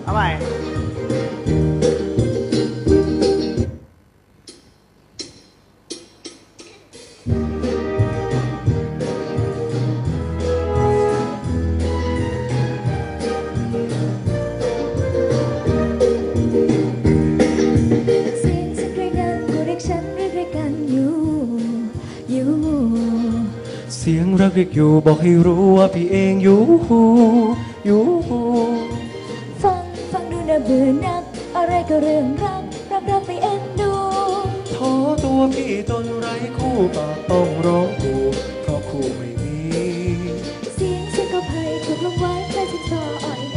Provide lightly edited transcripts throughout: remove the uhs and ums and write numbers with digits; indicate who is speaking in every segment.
Speaker 1: ทำไม
Speaker 2: เสียงรักเรียกอยู่บอกให้รู้ว่าพี่เองอยู่
Speaker 3: ฟังดูน่าเบื่อนักอะไรก็เรื่องรักไปเอ็นดู
Speaker 2: ท้อตัวพี่จนไร้คู่ปากต้องร้องคู่เพราะคู่ไม่มี
Speaker 3: เสียงก็ไพ่ถูกลงไว้ใครจะต่ออ้อย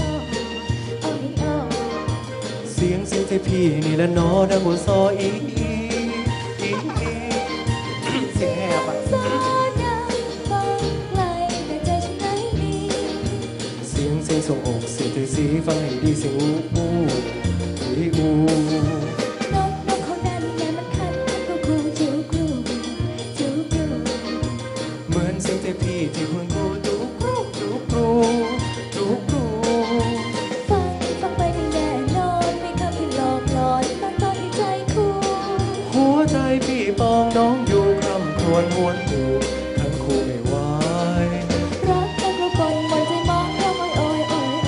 Speaker 2: เสียงใจพี่นี่แหละน้อดังหัวซออีเสียงแหบอ่ะเสียงส่งอกเสียงใจสีฟังให้ดีเสียงอู
Speaker 3: นกเขานั้นแง่มันคันก็คูจูกรู
Speaker 2: เหมือนเสียงใจพี่ที่ควรกูจูกรู
Speaker 3: ฟังไปไม่แน่นอนไม่คำที่หลอกหลอนบางตอนที่ใจคู่
Speaker 2: หัวใจพี่ปองน้องอยู่คำครวญหวนกูทั้งคู่ไม่ไหว
Speaker 3: รักแต่ก็ก่อนหมดใจมองร้องอ้อย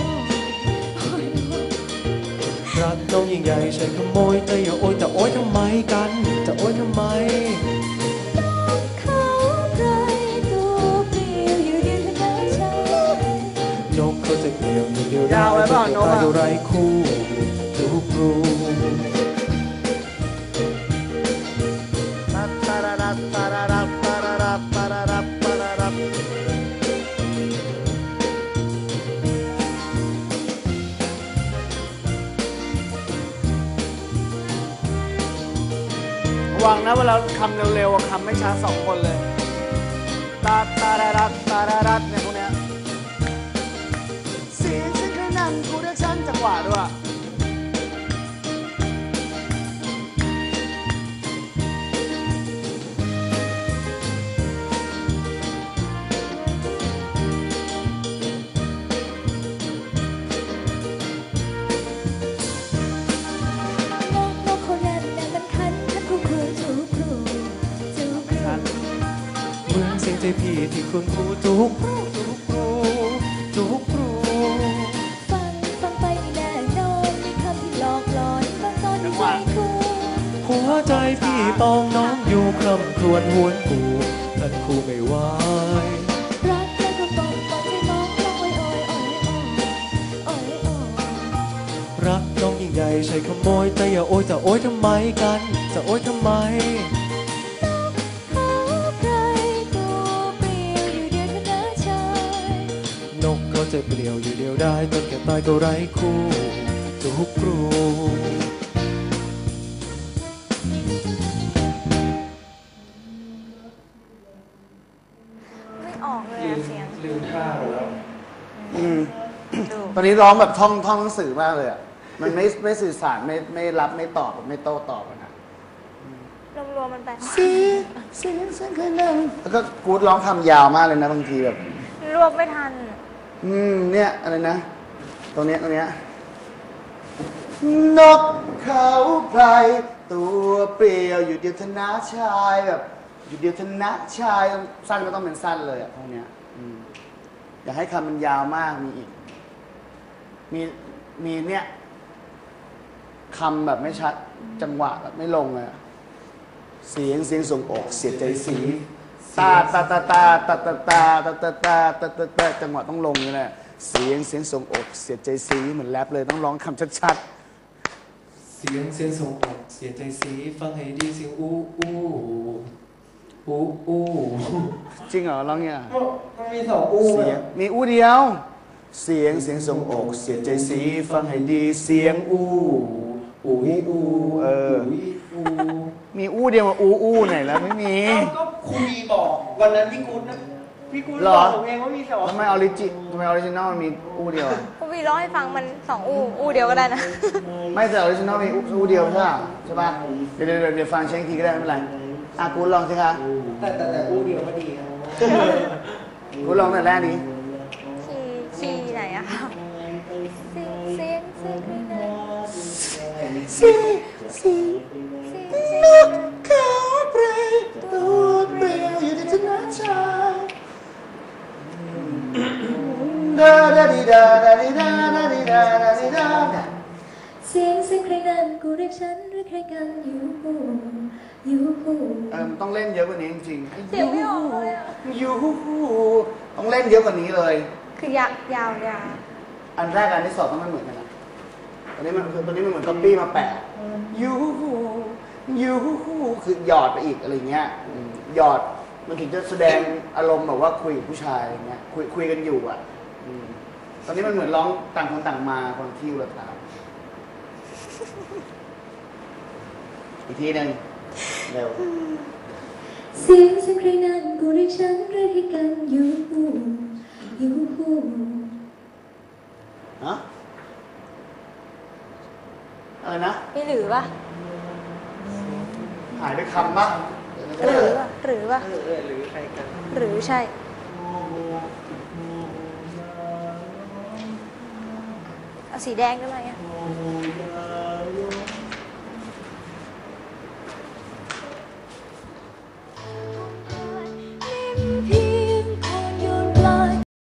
Speaker 2: รักน้องยิ่งใหญ่ใช่ขโมยแต่อย่าโอยแต่โอยทำไมกันจะโอยทำไม
Speaker 3: เขาใครตัวเปลี่ยวอยู่เดียวเธอใช่
Speaker 2: นกเขาจะเปลี่ยวอยู่เดียวได้ตายดูไรคู่จูกรู
Speaker 1: ระวังนะเวลาคำเร็วๆคำไม่ช้าสองคนเลยตารัดเนี่ยพวกเนี้ยเสียงฉันแค่นั้นกูเรียกฉันจังหวะด้วย
Speaker 2: พี่ที่คุณครูจูกรู
Speaker 3: ฟังไปไม่แน่นอนมีคำที่หลอกหลอนบางตอนที่ใจคู่
Speaker 2: หัวใจพี่ปองน้องอยู่คร่ำครวญหวนกูท่านคู่ไม่ไหว
Speaker 3: รักแล้วก็บอกใจมองร้อง
Speaker 2: รักน้องยิ่งใหญ่ใช่ขโมยแต่อย่าโอยจะโอยทำไมกันจะโอยทำไมจะเปลี่ยวอยู่เดียวได้จนแก่ตายก็ไร้คู่จูกรู
Speaker 4: ไม่ออกเลยเสียง
Speaker 2: ลืมท่าแล้ว
Speaker 1: ตอนนี้ร้องแบบท่องหนังสือมากเลยอ่ะมันไม่สื่อสารไม่รับไม่ตอบไม่โต้ตอบนะ
Speaker 4: รวมมันไป
Speaker 1: เสียงเคยนั่งแล้วก็กูดร้องคำยาวมากเลยนะบางทีแบบ
Speaker 4: รวมไม่ทัน
Speaker 1: เนี่ยอะไรนะตรงเนี้ยนกเขาไพรตัวเปลี่ยวอยู่เดียวธนาชายแบบอยู่เดียวธนาชายสั้นก็ต้องเป็นสั้นเลยอ่ะพวกเนี้ยอย่าให้คำมันยาวมากมีอีกมีเนี่ยคำแบบไม่ชัดจังหวะแบบไม่ลงเลยเสียงส่งอกเสียใจสีตาจังหวะต้องลงนี่แหละเสียงส่งอกเสียใจสีเหมือนแรปเลยต้องร้องคำชัด
Speaker 2: ๆเสียงส่งอกเสียใจสีฟังให้ดีเสียงอู้
Speaker 1: จริงเหรอร้องเนี่ย
Speaker 2: มันมีสองอู้
Speaker 1: เสียงมีอู้เดียวเสียงส่งอกเสียใจสีฟังให้ดีเสียงอู้มีอู้เดียวมาอู้ไหนแล้วไม่มี
Speaker 2: ก็ครูบีบอกวันนั้นพี่กุ๊ดบอกผมเองว่ามีสอง
Speaker 1: ทำไมออริจินอลมันมีอู้เดียว
Speaker 4: ครูบีร้องให้ฟังมันสองอู้เดียวก็ได้นะ
Speaker 1: ไม่แต่ออริจินอลมีอู้เดียวใช่ป่ะเดี๋ยวฟังเช็คทีก็ได้ไม่เป็นไรกูลองสิคะ
Speaker 2: แต่อู้เดียวก็ดี
Speaker 1: กูลองแต่แรกนี้
Speaker 4: คีย์ไหนอะคะเสียง
Speaker 1: สีนกเขาไพรตัวเปลี่ยวอยู่ในชนะชายดาดาดิดาดาดิดาดาดิดาดาดิดา
Speaker 3: เสียงใครนั้นกูเรียกฉันหรือใครกันอยู่หู
Speaker 1: มันต้องเล่นเยอะกว่านี้จริงๆ
Speaker 4: เสียงไม่ออกเลยอะ
Speaker 1: ยูต้องเล่นเยอะกว่านี้เลย
Speaker 4: คือยาว
Speaker 1: อันแรกอันที่สองต้องไม่เหมือนกันนะตอนนี้มันเหมือนก๊อปปี้มาแปะยูคือหยอดไปอีกอะไรเงี้ยหยอดมันถึงจะแสดงอารมณ์แบบว่าคุยกับผู้ชายอะไรเงี้ยคุยกันอยู่อ่ะตอนนี้มันเหมือนร้องต่างคนต่างมาคนที่อุรทานอีกทีหนึ่งเร็ว
Speaker 3: เสียงใครนั้นกูเรียกฉันหรือใครกันอยู่หู
Speaker 1: ฮะอะไรนะ
Speaker 4: มีหรือปะ
Speaker 1: หายไปคำปะ
Speaker 4: หรือปะหรือใครกัน หรือใช่ เอาสีแดงได้ไหมอ่ะ